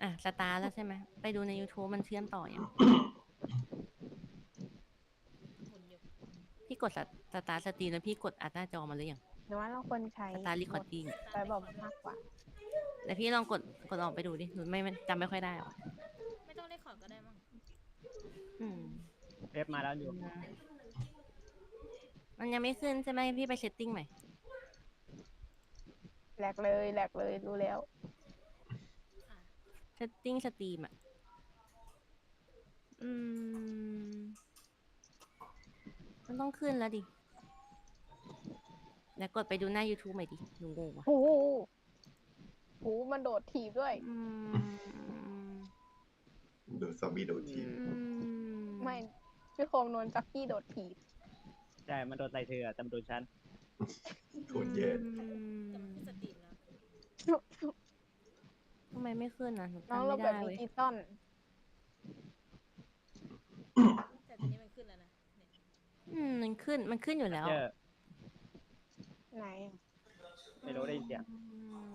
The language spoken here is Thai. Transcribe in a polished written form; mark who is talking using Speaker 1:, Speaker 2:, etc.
Speaker 1: อ่ะสตาร์แล้วใช่ไหมไปดูใน YouTube มันเชื่อมต่อยัง
Speaker 2: หมุนอยู่
Speaker 1: พี่กดสตาร์สตรีมแล้วพี่กดอัดหน้าจอมาหรือยัง
Speaker 3: หรือว่าเราควรใช้
Speaker 1: สตาร์รีค
Speaker 3: โหมด
Speaker 1: อร์ดดิ้ง
Speaker 2: สตา
Speaker 3: ไฟ
Speaker 2: ร์ทเรค
Speaker 3: บอม
Speaker 2: คอร์ดด้วย
Speaker 3: มากกว่า
Speaker 1: แต่พี่ลองกดออกไปดูดิหนูไม่จำไม่ค่อยได้หรอก
Speaker 2: ไม่ต้องเรคคอร์ดก็ได้มั้ง
Speaker 1: อืม
Speaker 4: เว็บมาแล้วอยู่
Speaker 1: มันยังไม่ขึ้นใช่ไหมพี่ไปเซตติ้งใหม่
Speaker 3: แหลกเลยแหลกเลยรู้แล้ว
Speaker 2: อ่ะ
Speaker 1: เซตติ้งสตรีมอ่ะอืมมันต้องขึ้นแล้วดิแล้วกดไปดูหน้า YouTube ใหม่ดิหนูงงว่ะ
Speaker 3: โอ้โหโอ้โหมันโดดถีบด้วย
Speaker 1: อืม
Speaker 5: ดูซอมบี้โดนที
Speaker 1: อืม
Speaker 3: ไม่พี่โคมโดนจ็อกกี้โดดถีบ
Speaker 4: ใช่มันโดนใส่เธอแต่มันโดนฉัน
Speaker 5: โคตรแย่
Speaker 2: แต่มันขึ้นสตรีมแล้ว
Speaker 1: ทำไมไม่ขึ้นอ่ะหนู
Speaker 3: น้อง
Speaker 1: จำ
Speaker 3: เรา
Speaker 1: ไม่
Speaker 3: แบ
Speaker 1: ได้
Speaker 3: บดิ
Speaker 1: เว้ย
Speaker 3: จิตอล
Speaker 2: แต่ตอนนี้มันขึ้นแล้วนะเนี่ย
Speaker 1: มันขึ้นอยู่แล้ว
Speaker 4: เจอ
Speaker 3: ไหน
Speaker 4: ไม่รู้ได้ยินเสียง